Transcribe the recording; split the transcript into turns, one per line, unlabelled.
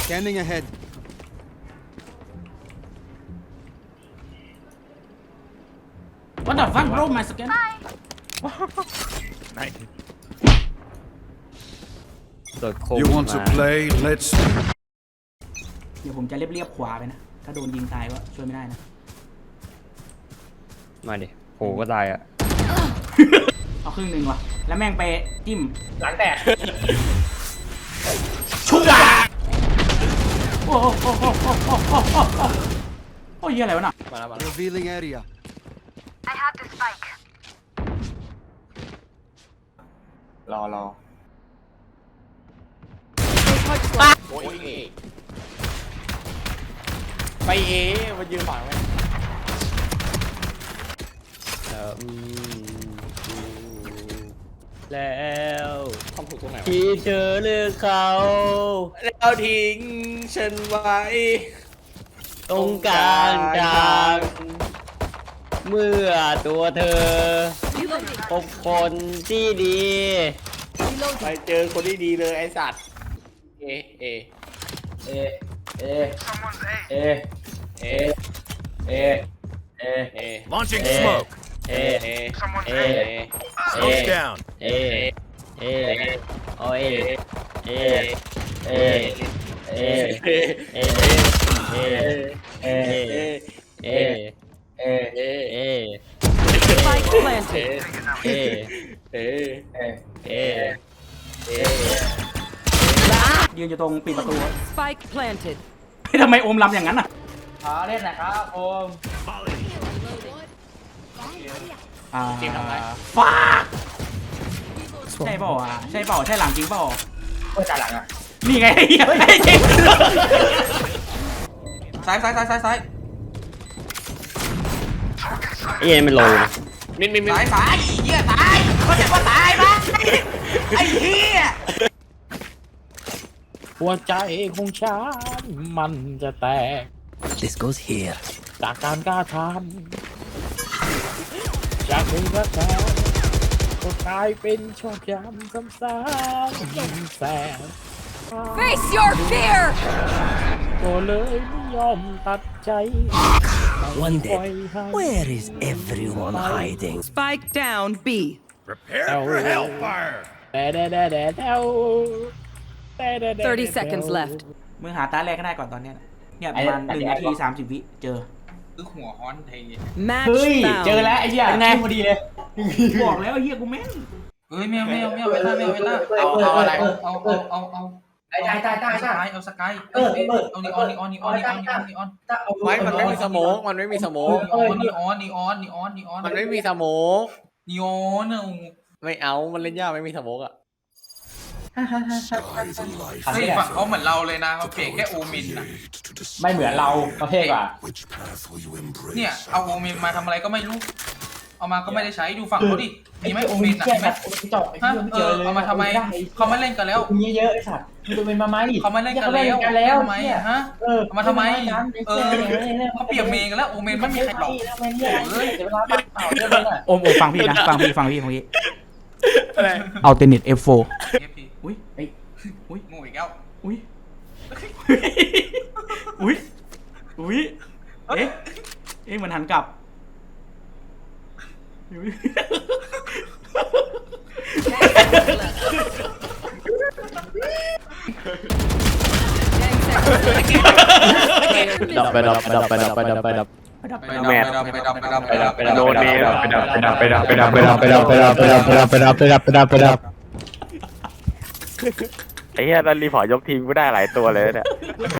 Scanning ahead.
What the fuck, bro? My scan.
ไหน
โดดโค้ง
You want to
มา
play? Let's.
เดี๋ยวผมจะเรียบขวาไปนะ ถ้าโดนยิงตายก็ช่วยไม่ได้นะ
มาดิโหก็ตายอ่ะ
เอาครึ่งหนึ่งว่ะ แล้วแม่งไปจิ้ม
หลังแตก
ชุบอ่ะโอ้โหโอ้โหโอ้โหโอ้โหโอ้โหโอ้ยอะไรวะน่ะ
มาแล้ว
Revealing area.
I have the spike.
รอโอ้ยไปมันยืนฝังไว้
แล้ว
ทำถูกตรงไหนวะ
ที่เธอเลือกเขา
แล้วทิ้งฉันไว้
ตรงกลางทางเมื่อตัวเธอพบคนที่ดี
ไปเจอคนที่ดีเลยไอ้สัตว์เอเอ
เอเอเอเอเอเอ
เอ
Launching
Eh.
smoke.
เอ
เอ
เอ
Smoke's down.
เอเอโอเอเอเอเอเอเอเอเอเอเอเอ
Spike planted.
เอ
เอ
เอ
ยืนอยู่ตรงปิดประตู
Spike planted.
เฮ้ยทำไมโอมลำอย่างนั้นอ่ะ
เล่นนะครับผม
จริงทำไร
ฟาดใช่เปล่าอ่ะใช่เปล่าใช่หลังจริงเปล่า
ก็จ่าหลังอ่ะ
นี่ไงไอ้เหี้ยไอ้จริงซ้ายซ้ายซ้ายซ้ายซ้าย
ไอ้เอ็นมันโลนะ
มิน
ซ้ายซ้ายไอ้เหี้ยตายเขาจะว่าตายปะไอ้เหี้ย
หัวใจของฉันมันจะแตก
This goes here.
จากการกล้าทำจากเป็นกระแสก็กลายเป็นชอบย้ำซ้ำๆแสบ
Face your fear.
ก็เลยไม่ยอมตัดใจ
One
ปล่อย
day.
ให้
Where is everyone hiding?
Spike down B.
Prepare
Oh.
for hellfire.
แต่
30 seconds left.
มึงหาตาแรกก็ได้ก่อนตอนเนี้ยเนี่ยประมาณ1 นาที 30 วิเจอ
Match
เฮ้ย
found.
เจอแล้วไอ้เหี้ยเป็นไงพอดีเลยบอกแล้วไอ้เหี้ยกูแม่น
เฮ้ยไม่เอาเวลา
เอาอะไร
เอาเอาสกายเอานีออน
ไม่มันไม่มีสโมกมันไม่มีสโมก
นีออน
มันไม่มีสโมก
นีออน
ไม่เอามันเล่นยากไม่มีสโมกอ่ะ
เฮ้ยฝั่งเขาเหมือนเราเลยนะเขาเปลี่ยนแค่โอมินนะ
ไม่เหมือนเราประเภทว่ะ
เนี่ยเอาโอมินมาทำอะไรก็ไม่รู้เอามาก็ไม่ได้ใช้ดูฝั่งเขาดิมีไหมโอมินอ่ะมีไหมฮะเอามาทำไมเขาไม่เล่นกันแล้ว
มีเยอะไอ้สัตว์มึงจะเป็นมาไหม
เขาไม่เล่นกันแล้วทำไมฮะเอามาทำไมเขาเปลี่ยนเมย์กันแล้วโอเมนไม่มีใครหรอก
โอมฟังพี่นะฟังพี่เอาเทนนิส F4 อุ้ยอุ้ย
งูอีกแล้ว
อุ้ยอุ้ยอุ้ยเอ๊ะมันหันกลับ
ดับไปดับไปดับไปดับไปดับไปดับ
ไปดับ
โดนเนม
ไอ้เหี้ยตอนรีพอร์ตยกทีมก็ได้หลายตัวเลยเนี่ย